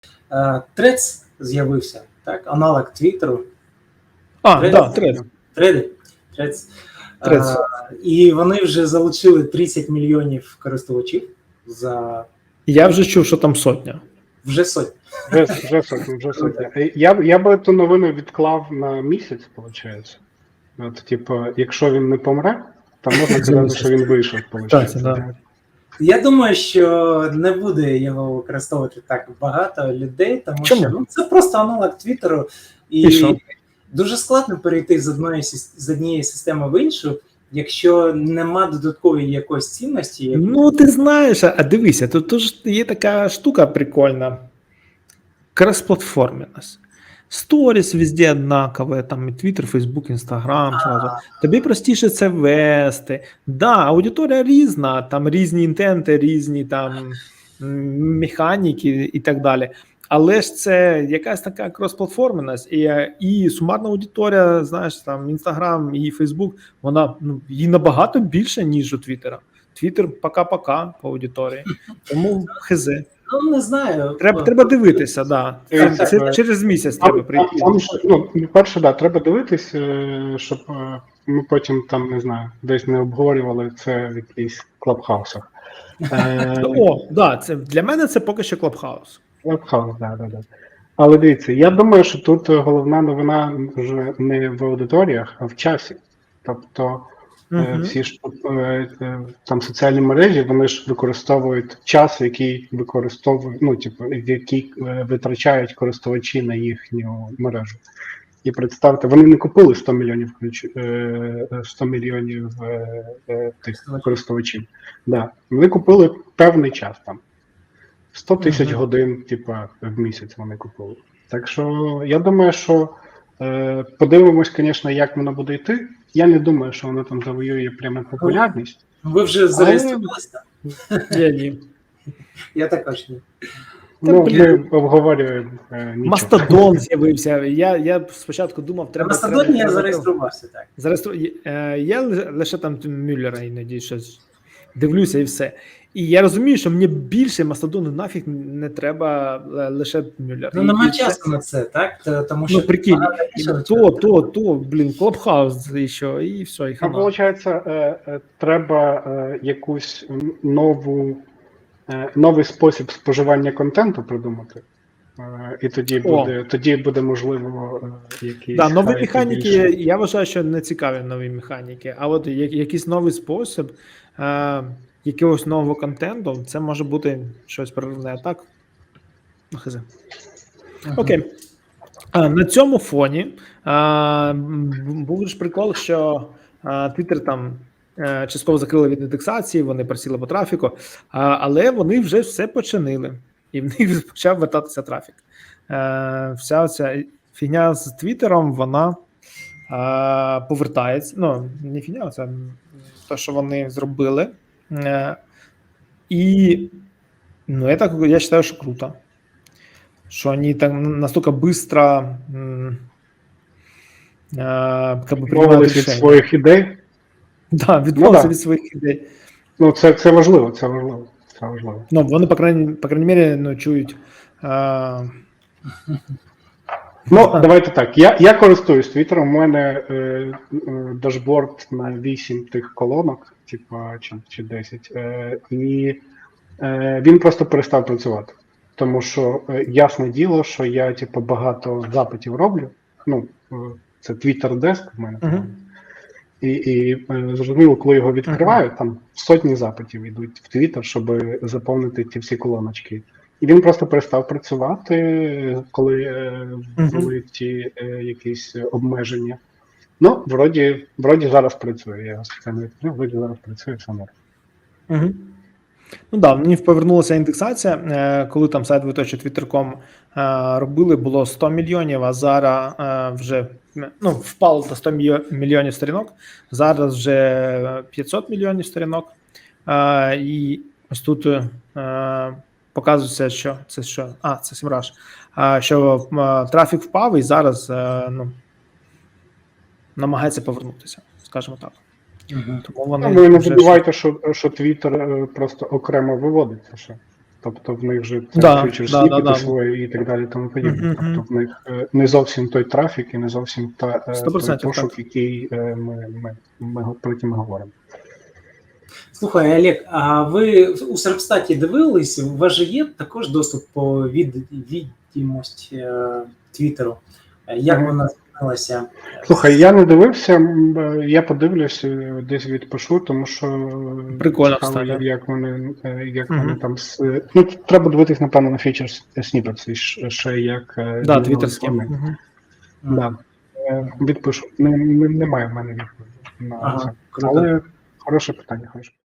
Threads з'явився, так? Аналог Твіттеру. Threads. Threads. І вони вже залучили 30 мільйонів користувачів за... Я вже чув, що там сотня. Вже сотня. Вже сотня. Я би ту новину відклав на місяць, виходить. От, типу, якщо він не помре, то можна сказати, що він вийшов, виходить. Да. Я думаю, що не буде його використовувати так багато людей, тому Чому? що це просто аналог Твіттеру. І дуже складно перейти з однієї системи в іншу, якщо нема додаткової якоїсь цінності. Ну, ти знаєш, а дивися, тут ж є така штука прикольна. Крос-платформенность. Сторіс везде однакові, там і Twitter, Facebook, Instagram, сразу. Тобі простіше це вести. Да, аудиторія різна, там різні інтенти, різні там механіки і так далі. Але ж це якась така крос-платформеність, і сумарна аудиторія, знаєш, там Instagram і Facebook, вона їй набагато більше, ніж у Твіттера. Твіттер пока-пока по аудиторії. Тому хз. Ну, не знаю. Треба дивитися, да. Це через місяць треба прийти. Перше, да, треба дивитись, щоб ми потім там, не знаю, десь не обговорювали це в якихось клабхаусах. Да, це для мене це поки що клабхаус. Клабхаус, да. Але дивіться, я думаю, що тут головна новина вже не в аудиторіях, а в часі. Тобто всі ж там соціальні мережі, вони ж використовують час, який використовують, який витрачають користувачі на їхню мережу. І представте, вони не купили 100 мільйонів тих користувачів. Да. Вони купили певний час там. 100 тисяч годин, в місяць вони купили. Так що, я думаю, що подивимось, звісно, як воно буде йти. Я не думаю, що воно там завоює прямо популярність. Ви вже зареєструвалися? Ні. Я також ні. Ми обговорюємо нічого. Мастодон з'явився. Я спочатку думав, треба... На Мастодоні я зареєструвався, так. Я лише там Мюллера іноді щось дивлюся і все. І я розумію, що мені більше Мастодону нафіг не треба, лише Мюллер. Ну, немає часу на це, так? Тому що... прикинь, Клабхаус ще, і все, і хана. Виходить, треба якусь новий спосіб споживання контенту придумати. І тоді буде можливо якісь... Да, нові механіки, я вважаю, що не цікаві нові механіки, а от якийсь новий спосіб якогось нового контенту, це може бути щось проривне, так? Хз. Окей. На цьому фоні був ж прикол, що Twitter там частково закрили від індексації, вони просіли по трафіку, але вони вже все починили, і в них почав вертатися трафік. Вся ця фігня з Твіттером, вона повертається, не фігня, це те, що вони зробили. І я вважаю, що круто. Що вони так настільки швидко відмовилися від своїх ідей. Да, відмовилися від своїх ідей. Це важливо, це важливо. Вони, по крайній мірі, чують. Давайте так. Я користуюсь Твіттером, у мене дашборд на 8 тих колонок, чи 10, і він просто перестав працювати. Тому що ясне діло, що я багато запитів роблю. Це Twitter Desk в мене. І зрозуміло, коли його відкриваю, там сотні запитів йдуть в Twitter, щоб заповнити ті всі колоночки. І він просто перестав працювати, коли були ті якісь обмеження. Вроді зараз працює. Я спеціально відкрив, вроді зараз працює, все норм. В них повернулася індексація, коли там сайт Twitter.com робили, було 100 мільйонів, а зараз вже впало до 100 мільйонів сторінок, зараз вже 500 мільйонів сторінок. І ось тут показується, що це що? Це Semrush. Що трафік впав і зараз намагається повернутися, скажімо так. Тому вони не забувайте, що Twitter просто окремо виводиться ще. Тобто в них же Да, фьючер да, сніпети да. свої і так далі, тому подібне. Мгм, Тобто в них не зовсім той трафік і не зовсім той 100% пошук, так. який про який ми говоримо. Слухай, Олег, а ви у Серпстаті дивились? У вас же є також доступ по відомості Твіттеру. Як Мгм. вона змінилася? Слухай, я не дивився, я подивлюсь, десь відпишу, тому що Прикольно, цікаво, кстати. як вони Мгм. вони там ну, треба дивитись, напевно, на фічер сніпетс, ще як Да, змінились твіттерські. вони. Мгм. Да. Відпишу. Немає в мене відповіді на Ага, це. круто. Але хороше питання, хороше.